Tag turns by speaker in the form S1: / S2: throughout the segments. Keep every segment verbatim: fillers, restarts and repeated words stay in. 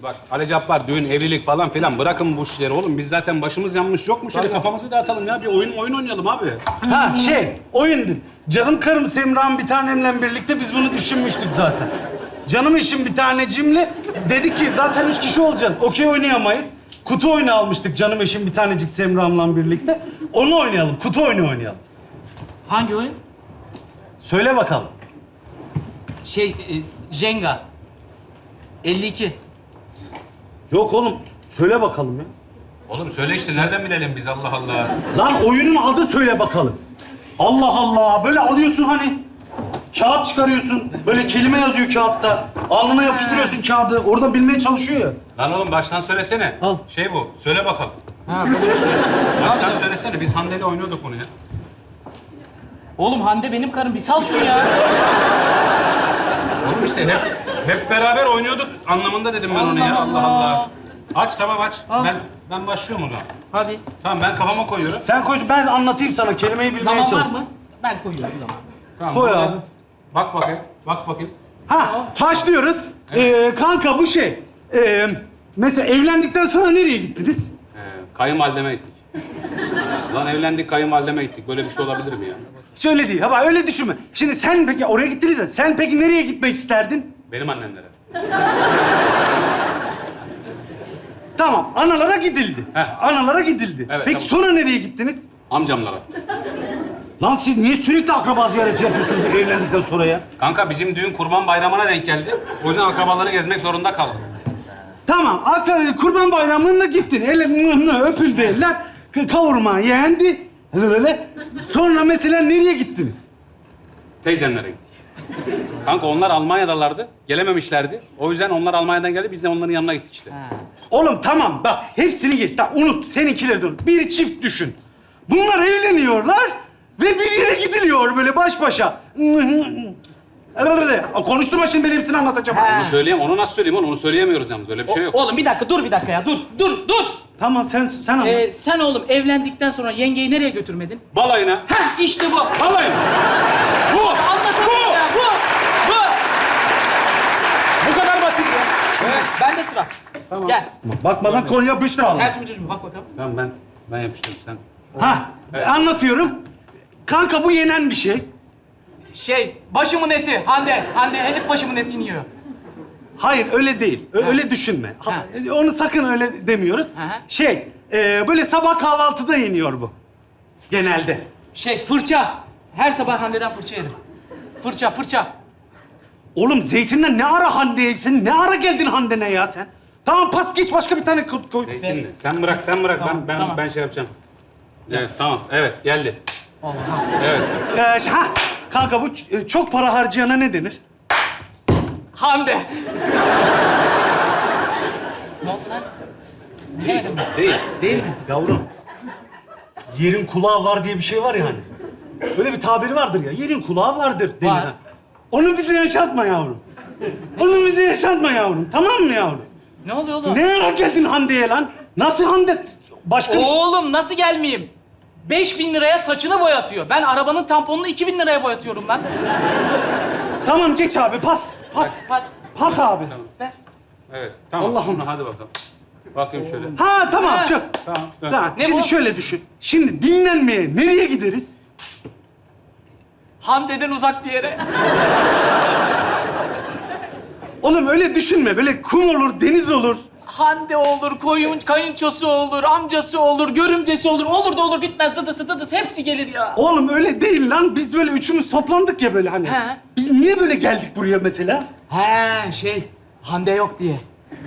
S1: Bak Ali Cabbar, düğün, evlilik falan filan bırakın bu işleri oğlum. Biz zaten başımız yanmış yok mu? Şöyle kafamızı dağıtalım ya. Bir oyun oyun oynayalım abi.
S2: Ha şey, oyundu. Canım karım Semra'm bir tanemle birlikte biz bunu düşünmüştük zaten. Canım eşim bir tanecimle dedik ki zaten üç kişi olacağız. Okey oynayamayız. Kutu oyunu almıştık canım eşim bir tanecik Semra'mla birlikte. Onu oynayalım, kutu oyunu oynayalım.
S3: Hangi oyun?
S2: Söyle bakalım.
S3: Şey, e, Jenga. elli iki.
S2: Yok oğlum, söyle bakalım ya.
S1: Oğlum söyle işte nereden bilelim biz Allah Allah.
S2: Lan oyunun adı söyle bakalım. Allah Allah, böyle alıyorsun hani. Kağıt çıkarıyorsun, böyle kelime yazıyor kağıtta. Alnına yapıştırıyorsun kağıdı, orada bilmeye çalışıyor ya.
S1: Lan oğlum baştan söylesene.
S2: Al.
S1: Şey bu. Söyle bakalım.
S3: Ha böyle bir şey.
S1: Baştan söylesene. Biz Hande'yle oynuyorduk bunu ya.
S3: Oğlum Hande benim karım. Bir sal şunu ya.
S1: Oğlum işte hep hep beraber oynuyorduk anlamında dedim ben onu ya. Allah Allah. Aç tamam aç.
S3: Al.
S1: Ben ben başlıyorum o zaman.
S3: Hadi.
S1: Tamam ben kafama koyuyorum.
S2: Sen koy, ben anlatayım sana, kelimeyi bilmeye
S3: Zaman
S2: çalış.
S3: var mı? Ben koyuyorum zaman.
S1: Tamam.
S2: Koy
S1: burada-
S2: abi.
S1: Bak bakayım. Bak bakayım.
S2: Ha, başlıyoruz. Ee, kanka bu şey, ee, mesela evlendikten sonra nereye gittiniz?
S1: Ee, kayınvalideme gittik. Lan evlendik kayınvalideme gittik. Böyle bir şey olabilir mi ya?
S2: Hiç öyle değil, ama öyle düşünme. Şimdi sen peki oraya gittiniz ya, sen peki nereye gitmek isterdin?
S1: Benim annemlere.
S2: Tamam, analara gidildi.
S1: Heh.
S2: Analara gidildi.
S1: Evet,
S2: peki
S1: tamam.
S2: sonra nereye gittiniz?
S1: Amcamlara.
S2: Lan siz niye sürekli akraba ziyareti yapıyorsunuz evlendikten sonra ya?
S1: Kanka bizim düğün kurban bayramına denk geldi. O yüzden akrabaları gezmek zorunda kaldım.
S2: Tamam, akraba kurban bayramında gittin. Ele mıh mıh öpüldü eller. k- Kavurma yendi. Öyle. Sonra mesela nereye gittiniz?
S1: Teyzemlere gittik. Kanka onlar Almanya'dalardı. Gelememişlerdi. O yüzden onlar Almanya'dan geldi. Biz de onların yanına gittik işte.
S2: Oğlum tamam bak, hepsini geç. Tamam, unut, seninkileri de unut. Bir çift düşün. Bunlar evleniyorlar ve bir yere gidiliyor böyle baş başa. Öyle. Konuşturma şimdi, ben hepsini anlatacağım.
S3: Ha.
S1: Onu söyleyeyim. Onu nasıl söyleyeyim oğlum? Onu söyleyemiyoruz yalnız. Öyle bir şey yok.
S3: Oğlum bir dakika dur bir dakika ya. Dur dur dur.
S2: Tamam, sen sen anlat.
S3: Ee, sen oğlum evlendikten sonra yengeyi nereye götürmedin?
S1: Balayına.
S3: Heh işte bu.
S1: Balayına. Bu.
S3: Anlatamıyorum ya. Bu. Bu.
S1: Bu kadar basit ya.
S3: Evet. Bende sıra. Gel.
S2: Bakmadan konu yapıştıralım.
S3: Ters mi düz mü? Bak bakalım.
S1: Tamam ben ben yapıştırdım sen.
S2: Ha, anlatıyorum. Kanka bu yenen bir şey.
S3: Şey, başımın eti. Hande. Hande hep başımın etini yiyor.
S2: Hayır, öyle değil. Ö- Öyle düşünme. Ha, Onu sakın öyle demiyoruz.
S3: Hı hı.
S2: Şey, e, böyle sabah kahvaltıda yeniyor bu. Genelde.
S3: Şey, fırça. Her sabah Hande'den fırça yerim. Fırça, fırça.
S2: Oğlum zeytinden ne ara Hande'ye, sen ne ara geldin Hande'ne ya sen? Tamam, pas geç, başka bir tane koy. koy.
S1: Zeytinli. Sen bırak sen bırak.
S3: Tamam,
S1: ben ben
S3: tamam.
S1: ben şey yapacağım. Evet tamam. Evet geldi.
S3: Allah.
S1: Evet.
S2: Ee, ş- ha, kanka bu ç- e, çok para harcayana ne denir?
S3: Hande. Ne oldu lan? Bilemedim mi?
S1: Değil.
S3: Değil mi?
S2: Yavrum, yerin kulağı var diye bir şey var ya hani. Öyle bir tabiri vardır ya, yerin kulağı vardır denir.
S3: Var.
S2: ha. Onu bize yaşatma yavrum. Onu bize yaşatma yavrum, tamam mı yavrum?
S3: Ne oluyor oğlum?
S2: Ne ara geldin Hande'ye lan? Nasıl Hande? Başka bir şey...
S3: Oğlum nasıl gelmeyeyim? Beş bin liraya saçını boyatıyor. Ben arabanın tamponunu iki bin liraya boyatıyorum lan.
S2: Tamam, geç abi, pas, pas.
S3: Pas.
S2: Pas abi.
S3: Ver.
S1: Evet. Tamam.
S2: Allah'ım.
S1: Hadi bakalım. Bakayım şöyle.
S2: Ha tamam,
S3: Ha.
S2: çık.
S1: Tamam. dön.
S2: Ha,
S3: Ne
S2: şimdi
S3: bu?
S2: şöyle düşün. Şimdi dinlenmeye nereye gideriz?
S3: Hande'den uzak bir yere.
S2: Oğlum öyle düşünme. Böyle kum olur, deniz olur.
S3: Hande olur, koyun, kayınçosu olur, amcası olur, görümcesi olur. Olur da olur, bitmez dıdısı dıdısı hepsi gelir ya.
S2: Oğlum öyle değil lan. Biz böyle üçümüz toplandık ya böyle hani.
S3: He.
S2: Biz niye böyle geldik buraya mesela?
S3: He şey, Hande yok diye.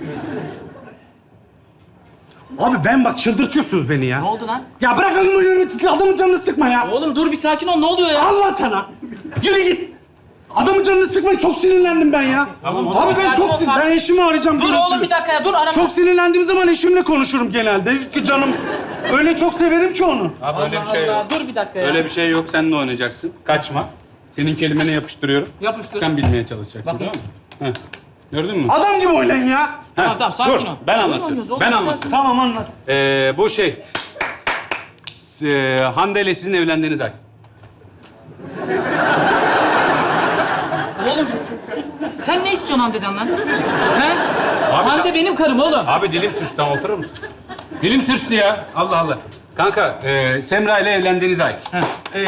S2: Abi ben bak, çıldırtıyorsunuz beni ya.
S3: Ne oldu lan?
S2: Ya bırak adamı yöneticiyi, adamın canını sıkma ya.
S3: Oğlum dur bir sakin ol, ne oluyor ya?
S2: Allah sana. Yürü git. Adamın canını sıkmayın. Çok sinirlendim ben ya.
S1: Tamam, oğlum.
S2: Abi ben
S3: Sakin
S2: çok
S3: ol,
S2: sin...
S3: sakin.
S2: Ben eşimi arayacağım.
S3: Dur
S2: görüntülü.
S3: oğlum bir dakika ya, dur arama.
S2: Çok sinirlendiğim zaman eşimle konuşurum genelde. Ki canım öyle çok severim ki onu.
S1: Abi öyle bir
S3: Allah
S1: şey
S3: Allah,
S1: yok.
S3: dur bir dakika ya.
S1: Öyle bir şey yok. Sen de oynayacaksın. Kaçma. Senin kelimeni yapıştırıyorum.
S3: Yapıştır.
S1: Sen bilmeye çalışacaksın.
S3: Bakayım.
S1: Tamam mı? Heh. Gördün mü?
S2: Adam gibi oynayın ya.
S3: Tamam
S1: Heh,
S3: tamam sakin
S1: dur.
S3: ol.
S1: Ben
S3: Oyun
S1: anlatıyorum.
S3: oynuyoruz oğlum,
S1: Ben
S3: bir
S1: anlatıyorum.
S3: sakin.
S2: Tamam, anlat.
S1: Ee, bu şey... S- e, Hande ile sizin evlendiğiniz ay.
S3: Oğlum sen ne istiyorsun Hande'den lan? He?
S1: Abi,
S3: Hande benim karım oğlum.
S1: Abi dilim sürçtü, tamam oturur musun? Dilim sürçtü ya. Allah Allah. Kanka, e, Semra ile evlendiğiniz ay.
S2: Ee...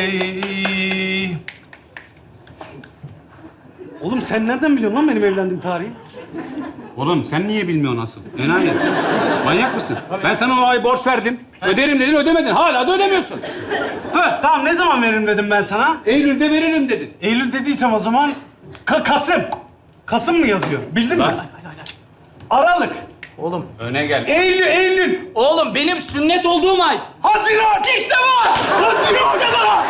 S2: Oğlum sen nereden biliyorsun lan benim evlendiğim tarihi?
S1: Oğlum sen niye bilmiyorsun asıl? Enayi. Manyak mısın? Ben sana o ay borç verdim. Öderim dedin, ödemedin. Hala da ödemiyorsun.
S3: Hı.
S2: Tamam ne zaman veririm dedim ben sana?
S1: Eylül'de veririm dedin.
S2: Eylül dediysem o zaman Ka- Kasım. Kasım mı yazıyor? Bildin mi?
S1: Lan.
S2: Aralık.
S3: Oğlum.
S1: Öne gel.
S2: Eylül, Eylül.
S3: Oğlum benim sünnet olduğum ay.
S2: Haziran.
S3: İşte bu.
S2: Haziran.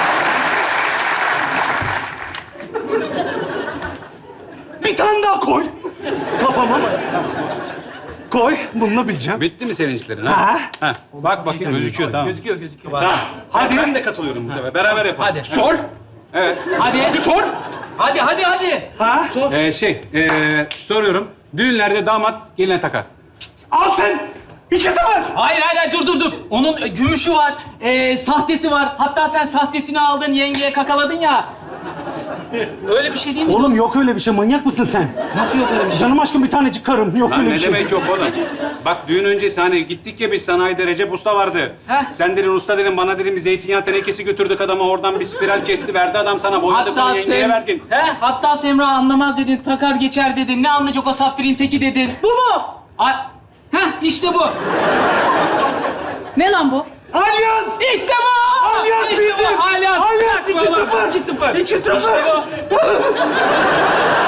S2: Bir tane daha koy. Kafama. Koy. Bununla bileceğim.
S1: Bitti mi sevinçlerin
S2: Ha.
S1: ha? Ha. Bak bakayım gözüküyor tamam.
S3: Gözüküyor gözüküyor.
S1: Tamam.
S2: Hadi.
S1: Ben de katılıyorum bu sefer. Beraber yapalım.
S3: Hadi.
S2: Sor.
S1: Evet.
S3: Hadi.
S2: Sor.
S3: Hadi hadi hadi.
S2: Ha?
S3: Sor.
S1: Ee, şey, ee, soruyorum. Düğünlerde damat geline takar.
S2: Al sen. İki sefer.
S3: Hayır hayır hayır dur dur dur. Onun e, gümüşü var, e, sahtesi var. Hatta sen sahtesini aldın yengeye kakaladın ya. Öyle bir şey değil mi?
S2: Oğlum yok öyle bir şey. Manyak mısın sen?
S3: Nasıl yok öyle bir şey?
S2: Canım aşkım bir tanecik karım. Yok
S1: Lan
S2: öyle
S1: ne
S2: bir şey.
S1: demek yok oğlum? Bak düğün öncesi hani gittik ya biz sanayide Recep Usta vardı.
S3: Heh.
S1: Sen dedin usta dedin bana dedin bir zeytinyağı tenekesi götürdük adama oradan bir spiral kesti verdi adam sana boyadı bunu
S3: Hatta
S1: yengeye
S3: Sem...
S1: verdin.
S3: He? Hatta Semra anlamaz dedin, takar geçer dedin. Ne anlayacak o saftirin teki dedin. Bu mu? Ay... Heh işte bu. Ne lan bu?
S2: Alyans.
S3: İşte bu!
S2: Alyans
S3: işte
S2: bizim.
S3: bu! Alyans!
S2: Alyans
S3: Bak
S2: iki
S3: baba,
S2: sıfır.
S3: iki sıfır.
S2: iki sıfır.
S3: İşte bu.